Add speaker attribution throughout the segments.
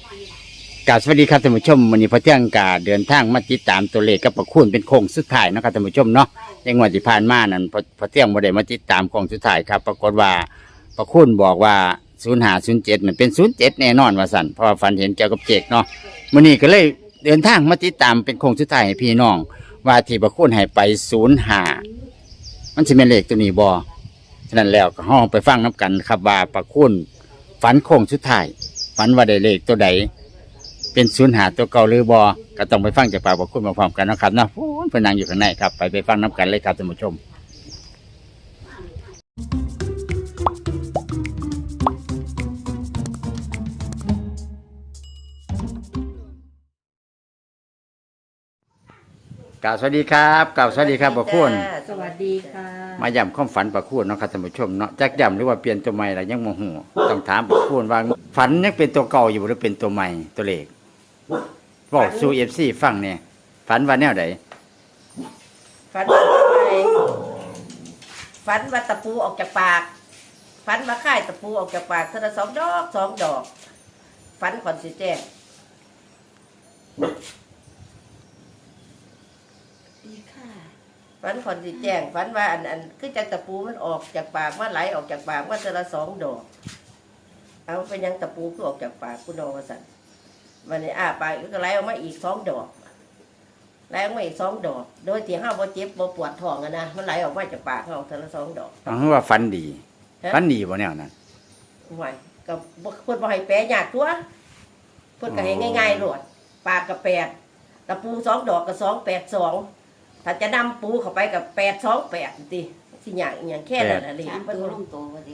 Speaker 1: กราบสวัสดีครับท่านผู้ชมวันนี้พระเที่ยงกาเดินทางมาติดตามตัวเลขกับประคุณเป็นโค้งสุดท้ายนะครับท่านผู้ชมเนาะในงวดที่ผ่านมานั้นพระเที่ยงบ่ได้มาติดตามโค้งสุดท้ายครับปรากฏว่าประคุณบอกว่า0507นั่นเป็น07แน่นอนว่าสั่นเพราะว่าฝันเห็นเกี่ยวกับเจกเนาะมื้อนี้ก็เลยเดินทางมาติดตามเป็นโค้งสุดท้ายให้พี่น้องว่าที่ประคุณให้ไป05มันสิเป็นเลขตัวนี้บ่ฉะนั้นแล้วก็ห้องไปฟังน้กันครับว่าประคุณฝันโค้งสุดท้ายฝันว่าได้เลขตัวใดเป็น05ตัวเก่าหรือบอก็ต้องไปฟังจากปากบอกคุณมาพร้อมกันนะครับเนาะพูนเพนนังอยู่ข้างในครับไปฟังน้ำกันเลยครับท่านผู้ชมกล่าวสวัสดีครับกล่าวสวัสดีครับบอกคุณ
Speaker 2: สวัสดีค่ะ
Speaker 1: มาย้ำความฝันประคุณเนาะครับท่านผู้ชมเนาะจักย้ำหรือว่าเปลี่ยนตัวใหม่อะไรยังโมโหต้องถามประคุณว่าฝันยังเป็นตัวเก่าอยู่หรือเป็นตัวใหม่ตัวเลขบอกสู่FCฟังเนี่ยฝันว่าแนวไหน
Speaker 2: ฝันว่าอะไรฝันว่าตะปูออกจากปากฝันว่าค่ายตะปูออกจากปากเท่าละ2 ดอกฝันขอนสิแจ้งฝันขอนสิแจ้งฝันว่าอันคือจากตะปูมันออกจากปากว่าไหลออกจากปากว่าเท่าละ2 ดอกเอาเป็นยังตะปูคือออกจากปากกูนอนว่าสั่นวันนี้ปากก็ไหลออกมาอีก2 ดอกไหลออกมาอีก2 ดอกโดยที่ห้าบ่เจ็บบ่ปวดท้องนะมันไหลออกมาจากปากเขาเท่าละ2 ดอก
Speaker 1: เอาว่าฝันดีฝันดีบ่แนวนั้น
Speaker 2: ห่วยก็เพิ่นบ่ให้แปลยากตัวเพิ่นก็ให้ง่ายๆโลดปากก็8ตะปู2 ดอกก็282ถ้าจะนำปูเข้าไปก็828ติสิยากอีหยังแค่นั้นน่ะเลยเพิ่นบ่ลงตัวว่าติ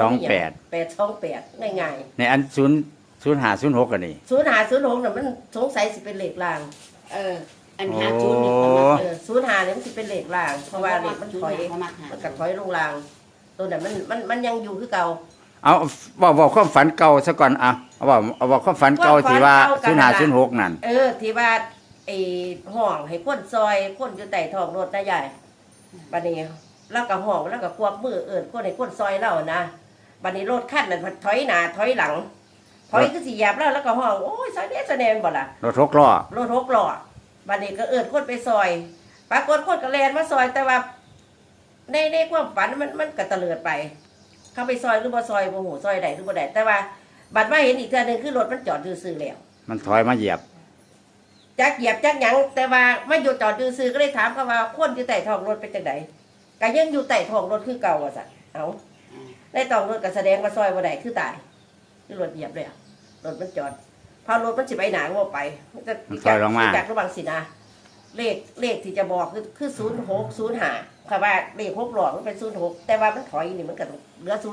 Speaker 2: 828ง่ายๆ
Speaker 1: ในอัน0506กันนี่
Speaker 2: 0506น่ะมันสงสัยสิเป็นเลขล่าง
Speaker 3: อัน50นี่ประมาณ
Speaker 2: 05นี่มันสิเป็นเลขล่างเพราะว่าเลขมันถอยมันก็ถอยลงล่างตัวนั้นมันยังอยู่คือเก่า
Speaker 1: เอาบอกความฝันเก่าซะก่อนเอาบอกความฝันเก่าที่ว่า0506นั่น
Speaker 2: ที่ว่าไอ้ห้องให้คนซอยคนอยู่ใต้ท้องรถนะยายบัดนี้แล้วก็ห้องแล้วก็ควบมือคนให้คนซอยเรานะบัดนี้รถคันนั้นถอยหน้าถอยหลังถอยคือสิเหยียบแล้วก็ห้องโอ้ยซอยเด้ซอยแนนบ่ล่ะ
Speaker 1: รถ6ล้อ
Speaker 2: บัดนี้ก็คนไปซอยปรากฏคนก็แล่นมาซอยแต่ว่าในความฝันมันก็ตะเลิดไปเข้าไปซอยหรือบ่ซอยบ่ฮู้ซอยใดหรือบ่ได้แต่ว่าบัดมาเห็นอีกเทื่อนึงคือรถมันจอดซื่อๆแล้ว
Speaker 1: มันถอยมาเหยียบ
Speaker 2: จักเหยียบจักหยังแต่ว่ามาอยู่จอดซื่อๆก็เลยถามเขาว่าคนอยู่ใต้ท้องรถเป็นจังไดก็ยังอยู่ใต้ท้องรถคือเก่าว่าซั่นเอาในท้องรถก็แสดงว่าซอยบ่ได้คือตายคือรถเหยียบเลยรถมันจอดพอรถมันสิไปหนาก็ไปมันจะจากระหว่างสินะเลขที่จะบอกคือ0605ค่ะว่าเลข6หลอกมันเป็น06แต่ว่ามันถอยนี่มันก็เหลือ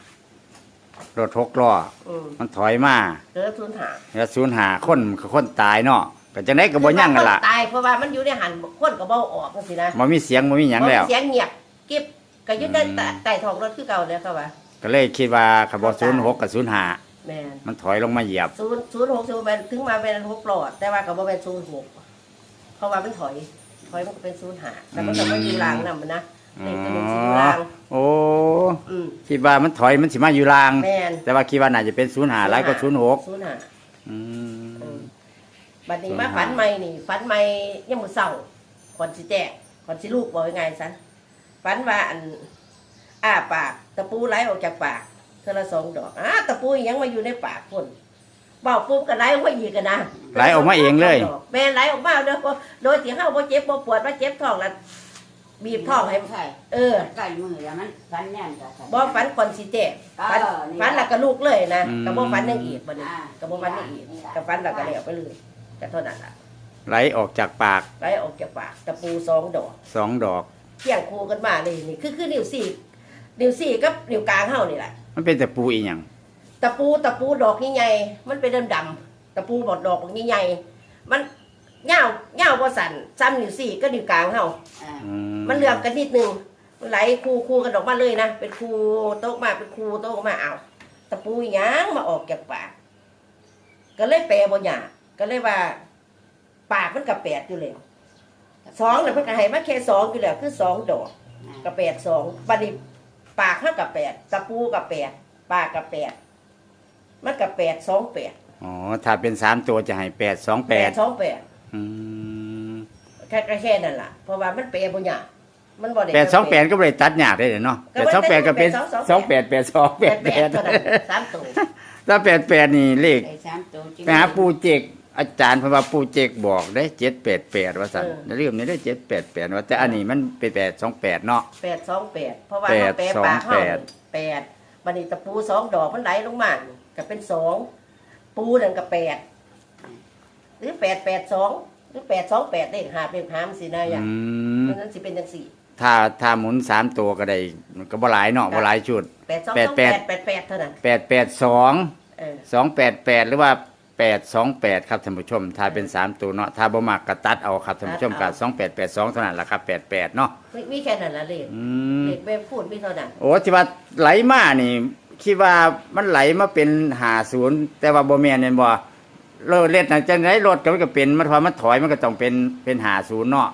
Speaker 2: 05
Speaker 1: รถ6ล้อมันถอยมา
Speaker 2: เหลือ
Speaker 1: 05คนตายเนาะก็จังได๋ก็บ่ยังกันล่ะ
Speaker 2: ตายเพราะว่ามันอยู่ในหันคนก็บ่ออกจังซี่นะ
Speaker 1: บ่มีเสียงบ่มีหยังแล้ว
Speaker 2: เสียงเงียบเก็บก็อยู่ใต้ท้องรถคือเก่าแล้วค่ะว่า
Speaker 1: ก็เลยคิดว่าคันบ่06กับ05
Speaker 2: แม่น
Speaker 1: มันถอยลงมาเหยียบ
Speaker 2: 06เป็นถึงมาเป็น6หลอดแต่ว่าก็บ่เป็น06เพราะว่ามันถอยมันก็เป็น05แต่มันก็บ่อยู่ล่างนำนะเลขตัวนึงสิอยู่ล่าง
Speaker 1: โอ้คิดว่ามันถอยมันสิมาอยู่ล่างแต่ว่าคิดว่าน่าจะเป็น05หลายกว่า06
Speaker 2: บัดนี้มาฝันใหม่นี่ฝันใหม่ยังมื้อเช้าก่อนสิแจ้งก่อนสิลูกบอกยังไงซะฝันว่าปากตะปูไหลออกจากปากเท่าละ2 ดอกตะปูยังมาอยู่ในปากคนเบาปุ๊บก็ไหลออกมาอีกกันนะ
Speaker 1: ไหลออกมาเองเลย
Speaker 2: แม่ไหลออกมาเด้อโดยที่เฮาบ่เจ็บบ่ปวดบ่เจ็บท้องแล้วบีบท้องให้
Speaker 3: ใส่มือแล้วมันฟันแน่นจ้ะ
Speaker 2: บ่ฝันก่อนสิแจ้งฝันแล้วก็ลูกเลยนะก็บ่ฝันยังอีกบัดนี้ก็บ่ฝันยังอีกก็ฝันแล้วก็แล้วไปเลยก็เท่านั้นล่ะ
Speaker 1: ไหลออกจากปาก
Speaker 2: ตะปู2 ดอกเที่ยงคู่กันมานี่คือนิ้ว4กับนิ้วกลางเฮานี่แหละ
Speaker 1: มันเป็นตะปูอีหยัง
Speaker 2: ตะปูดอกใหญ่ๆมันเป็นดำๆตะปูบอดดอกใหญ่ๆมันยาวบ่สั่นซ้ำนิ้ว4ก็นิ้วกลางเฮามันเหลื่อมกันนิดนึงมันไหลคู่กันออกมาเลยนะเป็นคู่โต๊ะมาเป็นคู่โต๊ะมาเอาตะปูหยังมาออกจากปากก็เลยแปลบ่ยากก็เลยว่าปากมันก็8อยู่แล้ว2น่ะเพิ่นก็ให้มาแค่2อยู่แล้วคือ2 ดอกก็8 2บัดนี้ปากเฮาก็8ตะปูก็8ปากก็8มันก็8 2 8
Speaker 1: อ๋อถ้าเป็น3ตัวจะให้828
Speaker 2: 828
Speaker 1: อืม
Speaker 2: แค่นั้นล่ะเพราะว่ามันเปย์บ่ยากมันบ่ได้
Speaker 1: 828ก็บ่ได้ตัดยากได้เนาะ828ก็เป็น288288
Speaker 2: เท่านั้น3ตัว
Speaker 1: ถ้า88นี่เลข
Speaker 3: ไอ้สามตัวจริง
Speaker 1: ไปหาปู่เจกอาจารย์เพราะว่าปู่เจกบอกได้788ว่าซั่นเรื่องนี้ได้788ว่าแต่อันนี้มันเป็น828เนาะ
Speaker 2: 828เพราะว่าเราแปลปากเฮา8บัดนี้ตะปู2ดอกมันไหลลงมาก็เป็น2ปูนั่นก็8หรือ882หรือ828เลข5เลข5มันสินะอย่างเพราะนั้นสิเป็นจังซี่
Speaker 1: ถ้าหมุน3ตัวก็ได้มันก็บ่หลายเนาะบ่หลายชุด
Speaker 2: 822888เท่านั้น
Speaker 1: 882 288หรือว่า828ครับท่านผู้ชมถ้าเป็น3ตัวเนาะถ้าบ่มักก็ตัดเอาครับท่านผู้ชมก็2882เท่านั้นล่ะครับ88เนาะ
Speaker 2: มีแค่นั้นล่ะเลขเลขแบบพูดมีเท่านั้น
Speaker 1: โอ้ที่ว่าไหลมานี่คิดว่ามันไหลมาเป็น50แต่ว่าบ่แม่นแม่นบ่รถเล็ดน่ะจังได๋รถก็มันก็เป็นมันพอมันถอยมันก็ต้องเป็น50เนาะ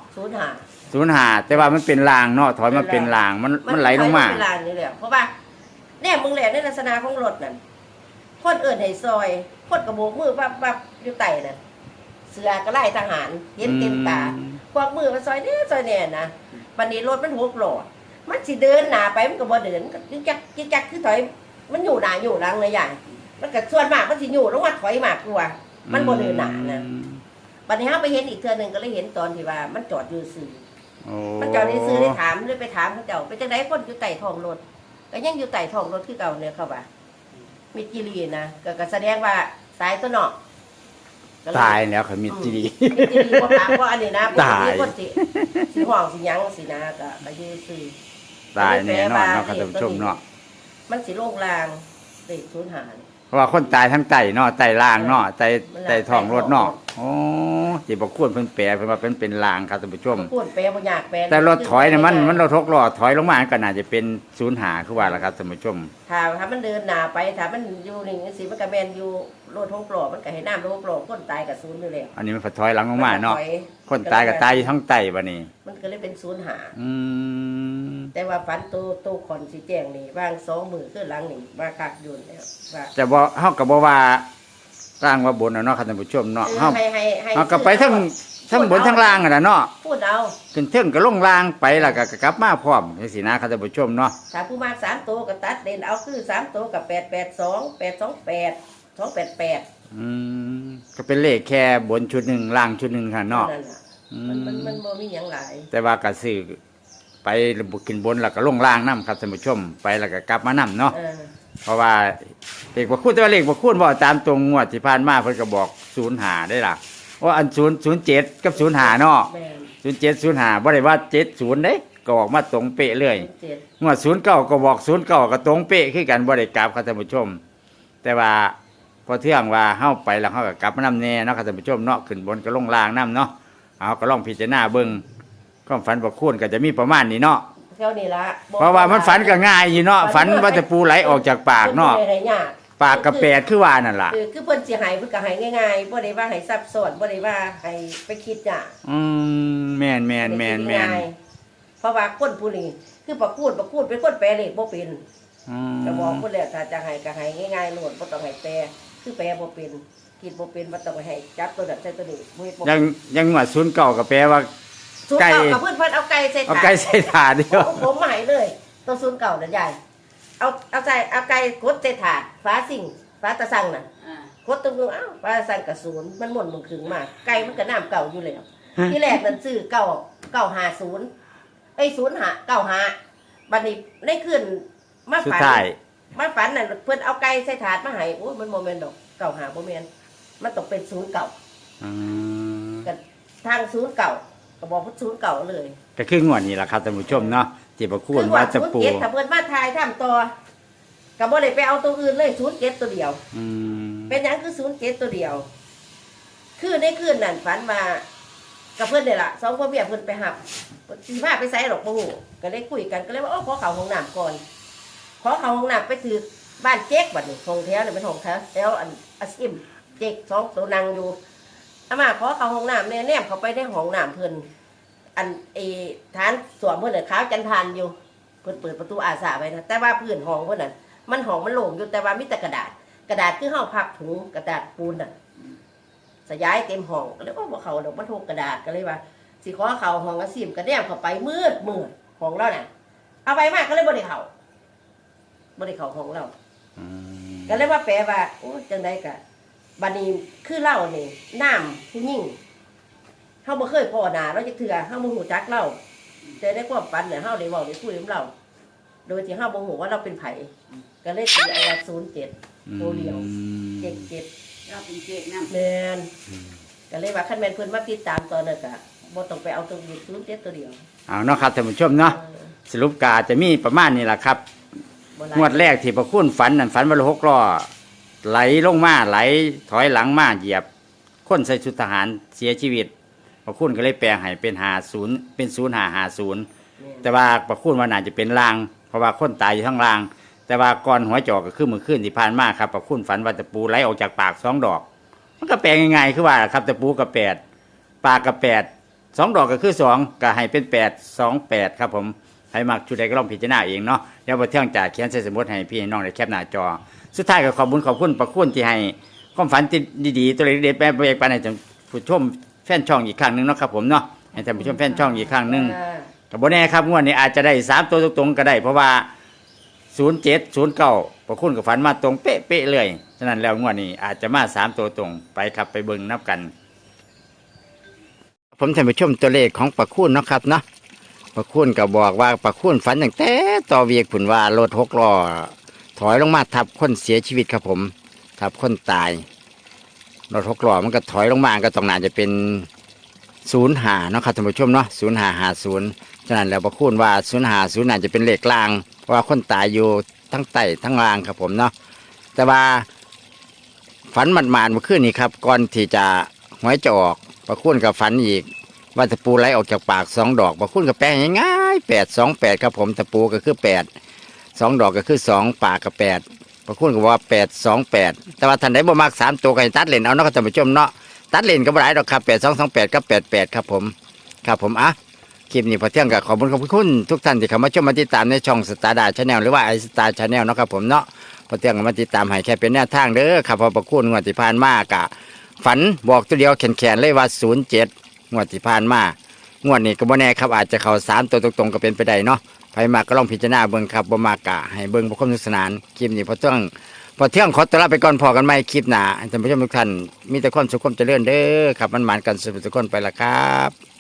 Speaker 1: 05แต่ว่ามันเป็นรางเนาะถอยมาเป็นรางมันไหลลงมา
Speaker 2: เป็นรางนี่แหละเพราะว่าแน่มึงแหละในลักษณะของรถนั่นคนเอิ้นให้ซอยคนกระโบกมือปั๊บอยู่ใต้น่ะเสือก็ไล่ทหารเห็นเต็มตาควักมือมาซอยแน่นะวันนี้รถมัน6ล้อมันสิเดินหน้าไปมันก็บ่เดินจึกจักคือถอยมันอยู่หน้าอยู่หลังเลยใหญ่มันก็ส่วนมากมันสิอยู่ลงมาถอยมากกว่ามันบ่เดินหน้านะวันนี้เฮาไปเห็นอีกเทื่อนึงก็เลยเห็นตอนที่ว่ามันจอดอยู่ซื่อมันจอดอยู่ซื่อได้ถามเลยไปถามเขาเจ้าเป็นจังได๋คนอยู่ใต้ท้องรถก็ยังอยู่ใต้ท้องรถคือเก่าเนี่ยเขาว่ามีกิรีนะก็แสดงว่าตายตัวเนาะ
Speaker 1: ตายแล้วเขามีกิรี
Speaker 2: บ่ปากว่าอันนี้นะบ่มีคนสิห้องสิหยังสินะก็อยู่ซื่อ
Speaker 1: ตายแน่นอนเนาะครับท่านผู้ชมเนาะ
Speaker 2: มันสิโลงลางเด็กสูญหาย
Speaker 1: เพราะว่าคนตายทั้งไตเนาะไตล่างเนาะไตท้องรถเนาะโอ้สิบ่ควรเพิ่นแปลเพิ่นว่าเป็นลางครับท่านผู้ชม
Speaker 2: ควรแปลบ่ยากแปล
Speaker 1: แต่รถถอยเนี่ยมันรถ6ล้อถอยลงมาก็น่าจะเป็น05คือว่าล่ะครับท่านผู้ชม
Speaker 2: ถ้ามันเดินหน้าไปถ้ามันอยู่นี่สิมันก็แม่นอยู่รถ6ล้อมันก็ให้น้ำรถ6ล้อคนตายก็ศูนย์อยู่แล้ว
Speaker 1: อันนี้มันถอยหลังลงมาเนาะคนตายก็ตายอยู่ทั้งไตบัดนี้
Speaker 2: มันก็เลยเป็น05แต่ว่าฝันโตขอนสิแจ้งนี่วาง2มื้อคือหลังนี่ว่าคักอยู่แล้วว่า
Speaker 1: จะบ่เฮาก็บ่ว่าสร้างว่าบนเนาะครับท่านผู้ชมเนาะเฮาก็ไปทั้งบนทั้งล่างน่ะเนาะ
Speaker 2: พูดเอา
Speaker 1: ขึ้นเทิงก็ลงล่างไปแล้วก็กลับมาพร้อมจังซี่นะครับท่านผู้ชมเนาะ
Speaker 2: ถ้าผู้มาก3ตัวก็ตัดเด่นเอาคือ3ตัวกับ882 828 288
Speaker 1: ก็เป็นเลขแค่บนชุดนึงล่างชุดนึงค่ะเนาะ
Speaker 2: มันบ่มีหยังหลาย
Speaker 1: แต่ว่าก็ซื้อไปขึ้นบนแล้วก็ลงล่างนำครับท่านผู้ชมไปแล้วก็กลับมานำเนาะเพราะว่าเลขบ่คูณแต่ว่าเลขบ่คูณบ่ตามตรงงวดที่ผ่านมาเพิ่นก็บอก05ได้ล่ะว่าอัน007กับ05เนาะ07 05บ่ได้ว่า70เด้ก็ออกมาตรงเป๊ะเลยงวด09ก็บอก09ก็ตรงเป๊ะคือกันบ่ได้กลับครับท่านผู้ชมแต่ว่าพอเที่ยงว่าเฮาไปแล้วเฮาก็กลับมานำแน่เนาะครับท่านผู้ชมเนาะขึ้นบนก็ลงล่างนำเนาะเอาก็ลองพิจารณาเบิ่งความฝันบ่คูณก็จะมีประมาณนี้เนาะ
Speaker 2: เท่านี้ละ
Speaker 1: เพราะว่ามันฝันก็ง่ายอยู่เนาะฝันว่าจะปูไหลออกจากปากเนาะปากกระแปดคือว่านั่นล่ะ
Speaker 2: คือเพิ่นสิให้เพิ่นก็ให้ง่ายๆบ่ได้ว่าให้ซับซ้อนบ่ได้ว่าให้ไปคิดยาก
Speaker 1: แม่น
Speaker 2: เพราะว่าคนผู้นี้คือประคูดเป็นคนแปลเลขบ่เป็นก็บอกเพิ่นแล้วถ้าจะให้ก็ให้ง่ายๆโลดบ่ต้องให้แปลคือแปลบ่เป็นคิดบ่เป็นบ่ต้องให้จับตัวนั้นใส่ตัวนี้
Speaker 1: ยังว่า09ก็แปลว่า
Speaker 2: ไก่กับเพิ่นเอาไก่ใส่ถาด
Speaker 1: เอาไก่ใส่ถาดเดียว
Speaker 2: ผมหมายเลยตัว09นั่นใหญ่เอาไก่กดใส่ถาดฟ้าตะสั่งน่ะกดตรงอ้าวฟ้าสั่งก็0มันหม่นมึงถึงมาไก่มันก็น้ำเก่าอยู่แล้วที่แรกนั่นซื้อ950ไอ้0595บัดนี้ได้ขึ้นมาฝันนั่นเพิ่นเอาไก่ใส่ถาดมาให้โอ้มันบ่แม่นดอก95บ่แม่นมันต้องเป็น09ก็ทาง09ก็บอกว่า09เลย
Speaker 1: ก็คืองวดนี้ล่ะครับท่านผู้ชมเนาะที่บ่ควรว่าจะปู
Speaker 2: ถ้าเพิ่นมาทายทำต่อก็บ่ได้ไปเอาตัวอื่นเลย07ตัวเดียวเป็นหยังคือ07ตัวเดียวคือในคืนนั้นฝันว่ากับเพิ่นนี่ล่ะ2พ่อเมียเพิ่นไปหับสิพาไปไสหรอกบ่ฮู้ก็เลยคุยกันก็เลยว่าขอเข้าห้องน้ำก่อนขอเข้าห้องน้ำไปถือบ้านเจ๊กบัดนี้ห้องแถวนี่เป็นห้องแถวอันอาซิมเจ๊ก2ตัวนั่งอยู่อามาขอเข้าห้องน้ำแนมเข้าไปในห้องน้ำเพิ่นอันฐานสวมเพิ่นน่ะขาวจันทานอยู่เพิ่นเปิดประตูอาสาไว้นะแต่ว่าพื้นห้องเพิ่นน่ะมันห้องมันโล่งอยู่แต่ว่ามีแต่กระดาษกระดาษคือเฮาพับถุงกระดาษปูนน่ะสยายเต็มห้องก็เลยว่าบ่เขาดอกมันโทกกระดาษก็เลยว่าสิขอเขาห้องอาซีมกระแนมเข้าไปมืดของเราน่ะเอาไปมากก็เลยบ่ได้เข้าห้องเรา
Speaker 1: อืม
Speaker 2: ก็เลยว่าแปลว่าโอ้จังไดกะบัดนี้คือเล่านี่น้ำผู้หญิงเฮาบ่เคยพ้อหน้าเราจักเทื่อเฮาบ่ฮู้จักเราแต่ในความฝันเนี่ยเฮาได้เว้าได้คุยกับเราโดยที่เฮาบ่ฮู้ว่าเราเป็นไผก็เลยตีเอาว่า07ตัวเดียว77
Speaker 3: เราเป็นเจ๊กน้ำ
Speaker 2: แม่นก็เลยว่าคันแม่นเพิ่นมาติดตามตอนนั้นก็บ่ต้องไปเอาตัวนี้07ตัวเดียว
Speaker 1: เอาเนาะครับท่านผู้ชมเนาะสรุปกาจะมีประมาณนี้แหละครับ
Speaker 2: บ่หลาย
Speaker 1: งวดแรกที่พระคุณฝันนั่นฝันว่ารถหกล้อไหลลงมาไหลถอยหลังมาเหยียบคนใส่ชุดทหารเสียชีวิตพระคุณก็เลยแปลงให้เป็น50เป็น0550แต่ว่าพระคุณว่าน่าจะเป็นลาง เพราะว่าคนตายอยู่ข้างล่าง แต่ว่าก่อนหัวจอกก็คือเมื่อคืนที่ผ่านมาครับพระคุณฝันว่าตะปูไหลออกจากปาก2 ดอก มันก็แปลงง่ายๆคือว่าครับตะปูกับ8ปากกับ8 2 ดอกก็คือ2ก็ให้เป็น828ครับผมให้มักชุดใดก็ลองพิจารณาเองเนาะเดี๋ยวพอเที่ยงจ่าเขียนใส่สมุดให้พี่ให้น้องได้แคปหน้าจอ สุดท้ายก็ขอบคุณพระคุณที่ให้ความฝันที่ดีๆตัวเล็กๆแปลไปให้ท่านผู้ชมแฟนช่องอีกครั้งหนึงเนาะครับผมเนาะให้ท่านผู้ชมแฟนช่องอีกครั้งหนึง กับโบแน่ครับงวดนี้อาจจะได้3 ตัวตรงๆก็ได้เพราะว่า0709พระคุณกับฝันมาตรงเป๊ะๆเลยฉะนั้นแล้วงวดนี้อาจจะมา3 ตัวตรงไปครับไปเบิ่งนับกัน ผมท่านผู้ชมตัวเลขของพระคุณเนาะครับเนาะพระคุณก็บอกว่าพระคุณฝันตั้งแต่ต่อเวียกผุนว่ารถ6 ล้อถอยลงมาทับคนเสียชีวิตครับผมทับคนตายรถ6 ล้อมันก็ถอยลงมาก็ต้องน่าจะเป็น05เนาะครับท่านผู้ชมเนาะ0550ฉะนั้นแล้วพระคุณว่า0550น่าจะเป็นเลขกลางเพราะว่าคนตายอยู่ทั้งใต้ทั้งล่างครับผมเนาะแต่ว่าฝันหมาดๆเมื่อคืนนี้ครับก่อนที่จะหวยจะออกพระคุณกับฝันอีกว่าตะปูไหลออกจากปาก2 ดอกพระคุณกับแปลงง่ายๆ828ครับผมตะปูก็คือ8 2 ดอกก็คือ2ปากกับ8พระคุณก็ว่า828แต่ว่าท่านใดบ่มัก3 ตัวก็ให้ตัดเล่นเอาเนาะครับท่านผู้ชมเนาะตัดเล่นก็บ่ได้ดอกครับ8228กับ88ครับผมอ่ะคลิปนี้พอเที่ยงก็ขอบคุณทุกท่านที่เข้ามาชมมาติดตามในช่องสตาร์ดาชาแนลหรือว่าไอสตาร์ชาแนลเนาะครับผมเนาะพอเที่ยงก็มาติดตามให้แค่เป็นแนวทางเด้อครับพอประคุณงวดที่ผ่านมากะฝันบอกตัวเดียวแขนๆเลยว่า07งวดที่ผ่านมางวดนี้ก็บ่แน่ครับอาจจะเข้า3 ตัวตรงๆก็เป็นไปได้เนาะใครมาก็ลองพิจารณาเบิ่งครับบ่มากกะให้เบิ่งบ่ความสนุกสนานคลิปนี้พอเที่ยงขอตัวลาไปก่อนพอกันใหม่คลิปหน้าท่านผู้ชมทุกท่านมีแต่ความสุขความเจริญเด้อครับมันหมานกันสุขทุกคนไปละครับ